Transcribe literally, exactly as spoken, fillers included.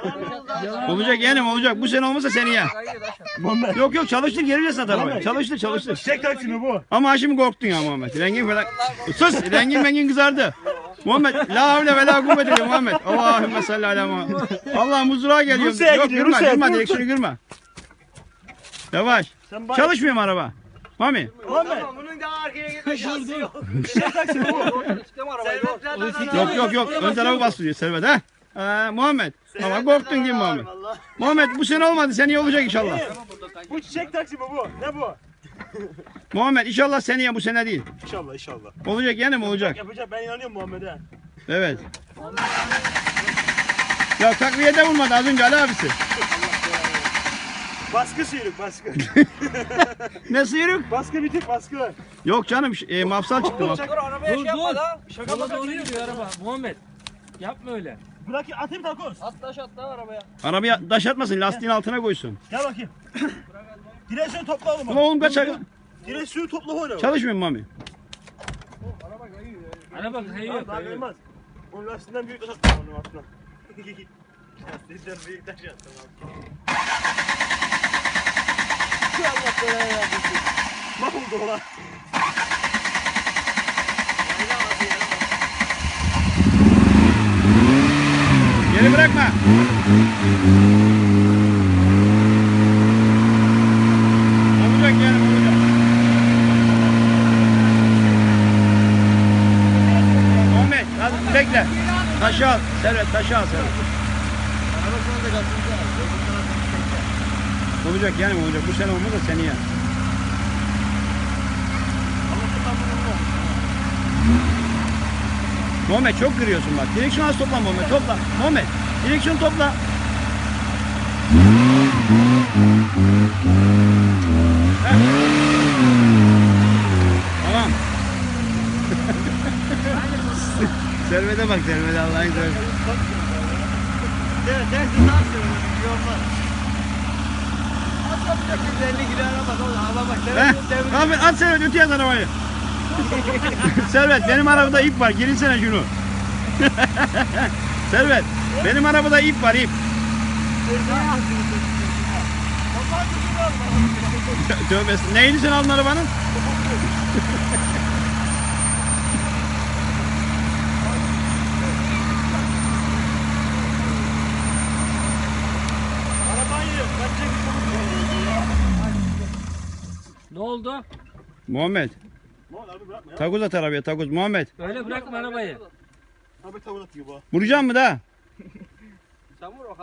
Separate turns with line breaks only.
Olacak yeğenim olacak. Bu sene olmasa seneye. Yok yok çalıştır geri satar arabayı. Çalıştır çalıştır.
Çek taksimi bu.
Ama şimdi korktun ya Muhammed. Rengin falan. Sus rengin mengin kızardı. Muhammed la havle ve la kuvvete illa Muhammed. Allahümme salli ala Muhammed. Allah muzluğa geliyor.
Rusya'ya
Yok
gidiyor,
kırma
Rusya'ya.
kırma
Dur,
direksiyonu kırma. Yavaş.
Sen bak.
Çalışmıyor mu araba? Mami.
Muhammed.
Bunun daha arkaya gitme şansı yok.
Çek taksimi bu.
Yok yok yok. Ön tarafı bastırıyor Servet ha. Ha, Muhammed. Ama korktun gibi Muhammed. Muhammed bu sene olmadı. Seneye olacak inşallah.
Bu çiçek taksimi bu. Ne bu?
Muhammed inşallah seneye bu sene değil.
İnşallah inşallah.
Olacak yani mi olacak?
Yapacak, ben inanıyorum Muhammed'e.
Evet. Ya takviyede vurmadı az önce Ali abisi.
Baskı sıyrık baskı.
Ne sıyrık?
Baskı bitik baskı.
Yok canım e, mafsal çıktı. Mafsal.
Dur arabaya şey yapma da.
Yola doğru gidiyor araba. Muhammed. Yapma öyle.
Bırak atayım takoz.
At taş at da arabaya.
Arabaya taş atmasın lastiğin altına koysun.
Gel bakayım. Direksiyonu topla oğlum.
Ulan oğlum kaç ay-
Direksiyonu topla oğlum.
Çalışmıyor mu Mami?
Araba kayıyor.
Daha
kayıyor.
gelmez. Onun lastiğinden büyük taş attım onun altına. Lastiğinden büyük taş attım abi. Şu Allah belanı versin. Mahvoldu ola.
Geri bırakma. Olacak yani olacak. Muhammed hadi bekle. Taşı al. Servet taşı al Servet. Olacak yani olacak. Bu sene olmaz da seneye. Muhammed çok kırıyorsun bak. Direksiyon az topla Muhammed. Topla. Muhammed direksiyon topla. Heh. Tamam. Servete bak Servete Allah'ın izniyle.
Evet dersin daha söyle. Yorma. Az yapacak elli kilo araba da araba bak.
Heh. Abi at Servet öteye at arabayı. Servet benim arabada ip var. Girinsene şunu. Servet benim arabada ip var ip. Tövbe estağfurullah. Neyini sen aldın arabanın?
Arabayı ben
Ne oldu?
Muhammed.
Muhammed abi bırakma ya.
Takoz at arabaya takoz. Muhammed.
Öyle bırakma arabayı.
Abi takoz atıyor bu.
Vuracağım mı da?
Sen vur o